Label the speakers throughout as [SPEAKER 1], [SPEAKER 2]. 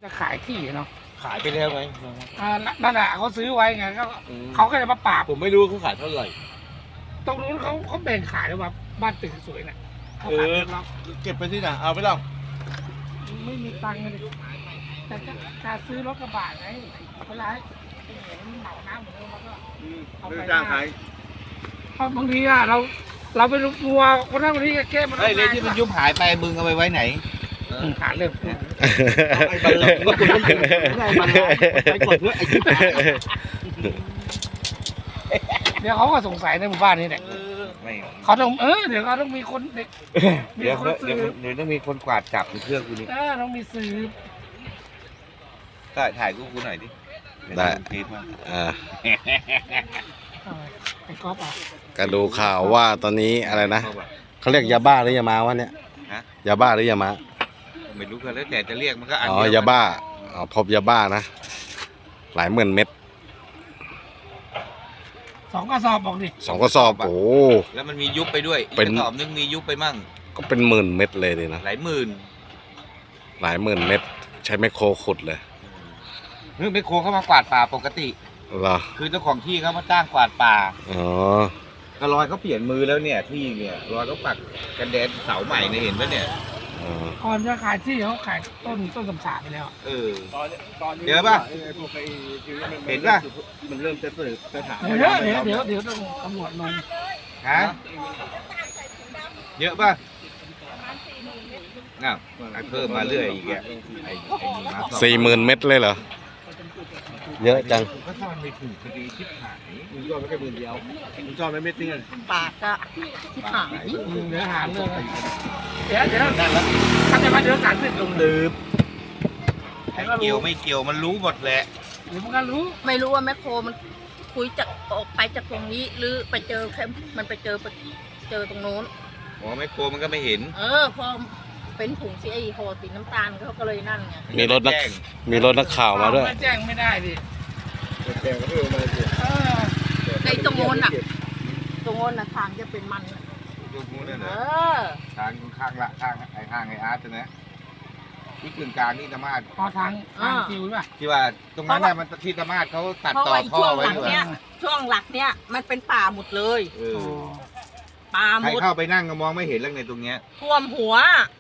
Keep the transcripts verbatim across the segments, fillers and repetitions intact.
[SPEAKER 1] จะขายที่เนาะ
[SPEAKER 2] ขายไปแล้วไง
[SPEAKER 1] อ่านั่นแหละเขาซื้อไว้ไงก็เขาก็เลยมาปราบ
[SPEAKER 2] ผมไม่รู้เขาขายเท่าไหร่
[SPEAKER 1] ตรงนู้นเขาเขาแบ่งขายแล้วว่าบ้านตึกสวยน่ะเขา
[SPEAKER 2] เอ
[SPEAKER 1] ขาย
[SPEAKER 2] อ
[SPEAKER 1] เล็ก
[SPEAKER 2] เก็บไปที่ไหนเอาไปแล้ว
[SPEAKER 1] ๆไม่มีตังค์เลยแต่จะจะซื้อรถกระบะไงเวลาเห็นเหมาน้ำเหมือนมันก็เอาไปจ้างขายเพราะบางทีอะเราเราไปรู้มัวคนนั้นคนนี้ก็แก้มัน
[SPEAKER 3] ไอ้เลยที่มันยุบหายไปมึงเอาไปไว้ไหน
[SPEAKER 1] หาเรื่อง
[SPEAKER 2] ไอ้บัลลังก์ก็คุณต้องไม่ได้บัลลังก์ไปกดเพื่อไอ้ที่
[SPEAKER 1] เดี๋ยวเขาก็สงสัยในหมู่บ้านนี้แหละ
[SPEAKER 3] ไม่
[SPEAKER 1] เขาต้องเออเดี๋ยวเขาต้องมีคนเด็กมี
[SPEAKER 3] เดี๋ยว
[SPEAKER 1] คน
[SPEAKER 3] เดี๋
[SPEAKER 1] ซื้
[SPEAKER 3] ยว
[SPEAKER 1] อ
[SPEAKER 3] เดี๋ยวต้องมีคนกวาดจับในเครื่องกูนี่
[SPEAKER 1] เออต้องมีซื้อ
[SPEAKER 3] ถ่ายถ่ายกูกูหน่อยดิ
[SPEAKER 4] ได้
[SPEAKER 3] คลิปมา
[SPEAKER 4] อ่า
[SPEAKER 1] ไอ้ก๊อฟอ่ะ
[SPEAKER 4] ก็ดูข่าวว่าตอนนี้อะไรนะเขาเรียกยาบ้าหรือยามาวะเนี่ยยาบ้าหรือยามา
[SPEAKER 3] ไม่รู้กันแล้วแต่จะเรียกมันก็อัน
[SPEAKER 4] อ๋อ
[SPEAKER 3] เดีวย
[SPEAKER 4] าบ้าอ๋อพบยาบ้านะหลายหมื่นเม็ด
[SPEAKER 1] สองกระสอบบอกดิ
[SPEAKER 4] สองกระสอบโอ้
[SPEAKER 3] แล้วมันมียุบไปด้วยอีก
[SPEAKER 4] เป็น
[SPEAKER 3] กระสอบนึงมียุบไปมั่ง
[SPEAKER 4] ก็เป็นหมื่นเม็ดเลยดินะ
[SPEAKER 3] หลายหมื่น
[SPEAKER 4] หลายหมื่นเม็ดใช้ไมคโครขุดเลย
[SPEAKER 3] เฮ้ยไมโครเข้ามากวาดป่าปกติ
[SPEAKER 4] เหรอ
[SPEAKER 3] คือเจ้าของที่เขามาจ้างกวาดป่า
[SPEAKER 4] อ๋อ
[SPEAKER 3] ก็รอยเขาเปลี่ยนมือแล้วเนี่ยที่เนี่ยรอยเขาปักกันแดนเสาใหม่เนี่ยเห็นปะเนี่ย
[SPEAKER 4] อ๋อ
[SPEAKER 1] ก่อนจะขายที่เขาขายต้นต้นสำสาไปแล้ว
[SPEAKER 3] เออ
[SPEAKER 2] ตอนตอนนี้
[SPEAKER 3] เดี๋ยวป่ะ เห็นป่ะ
[SPEAKER 2] มันเริ่มจะสืบจะถาม
[SPEAKER 1] เดี๋ยวเดี๋ยวเดี๋ยวเดี๋ยวต้องตำรวจลง
[SPEAKER 3] ฮะเยอะป่ะอ้าวไอ้เพิ่มมาเรื่อยอีกอ่ะไอ้ไอ้นี่มาสอง
[SPEAKER 4] สี่หมื่นเม็ดเลยเหรอเยอะจัง
[SPEAKER 3] ก็ซ่อนไม่ถูกคดีชิบหาย
[SPEAKER 2] มึงยอดไม่แค่หมื่นเดียวมึงจอดไม่เม็ดนึง
[SPEAKER 5] ปากก็ที่หาย
[SPEAKER 1] อืมเดี๋ยวหาเรื่องเลยเดี๋ยวเดี๋ยวถ้าจะมาเดี๋ยวการสืบลง
[SPEAKER 3] ลืมไอ้เกี่ยวไม่เกี่ยวมันรู้หมดแหละ
[SPEAKER 1] เดี๋ยวมันก็รู้
[SPEAKER 5] ไม่รู้ว่าแมคโครมันคุยจากออกไปจากตรงนี้ หรือไปเจอแค่มันไปเจอไปเจอตรงโน้น
[SPEAKER 3] อ๋อไม่โกมันก็ไม่เห็น
[SPEAKER 5] เออพอเป็นถุงซีไอโฮสีน้ำตาลเขาก็เลยนั่นไง
[SPEAKER 4] มีรถนัก
[SPEAKER 3] แจ้ง
[SPEAKER 4] มีรถนักข่าวมาด้วย
[SPEAKER 1] ไม่แจ้งไม่ได้ดิ
[SPEAKER 2] แกก็เพิ่มมาเลย
[SPEAKER 1] เออ
[SPEAKER 5] ในตรงโน้นอ่ะตรงโน้นน่ะทางจะเป็นมันน่ะ
[SPEAKER 3] ยกมือนั่น
[SPEAKER 5] เอ
[SPEAKER 3] นะ
[SPEAKER 5] อ
[SPEAKER 3] ทางข้างละข้างไอ้ข้างไอ้อาร์ตนะที่กึ่งกลางนี่ธรรมาส
[SPEAKER 1] พอทางทางคิวป่ะ
[SPEAKER 3] ที่ว่าตรงนั้นน่ะมันที่ธรรมาสเขาตัด
[SPEAKER 5] เพราะ
[SPEAKER 3] ต่อ
[SPEAKER 5] ว่า
[SPEAKER 3] ท่อ
[SPEAKER 5] ช่วง
[SPEAKER 3] ไว้
[SPEAKER 5] หลัง
[SPEAKER 3] ด้วย
[SPEAKER 5] เนี้ยช่วงหลักเนี้ยมันเป็นป่าหมดเลย
[SPEAKER 3] เอ
[SPEAKER 1] โอ้
[SPEAKER 3] อ
[SPEAKER 5] ป่าห
[SPEAKER 3] ใคร
[SPEAKER 5] มด
[SPEAKER 3] เข้าไปนั่งก็มองไม่เห็นแล้วในตรงเนี้ย
[SPEAKER 5] ท่วมหัว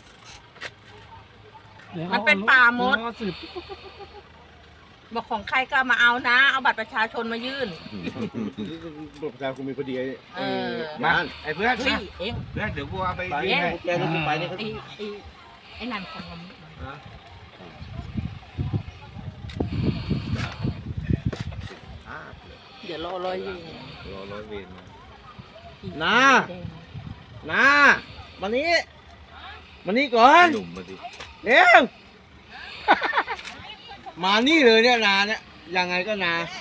[SPEAKER 1] ดี๋ยว
[SPEAKER 5] มันเป็นป่าหมด
[SPEAKER 1] เยวเขาสืบ
[SPEAKER 5] บอกของใครก็มาเอานะ เอาบัตรประชาชนมายื่น
[SPEAKER 2] ประชาคมมีพอดี
[SPEAKER 5] เออ
[SPEAKER 3] มาไอ้เพื่อน
[SPEAKER 5] เฮ้ย
[SPEAKER 3] นะ
[SPEAKER 5] เอง
[SPEAKER 3] เพื่อนเดี๋ยวกูเอาไป
[SPEAKER 2] ไป
[SPEAKER 3] ยื่นให้
[SPEAKER 2] แกต้องไปนี่เขา
[SPEAKER 5] ไอ้ไอ้ไอ้นั่นของมัน
[SPEAKER 3] อ่า
[SPEAKER 5] เดี๋ยวรอรอยยิง
[SPEAKER 3] รอร้อยเวรมา
[SPEAKER 2] น้าน้ามานี้มานี้ก่อน
[SPEAKER 3] หนุ่มมาดิ
[SPEAKER 2] เร็วมานี่เลยเนี่ยนาเนี่ยยังไงก็นา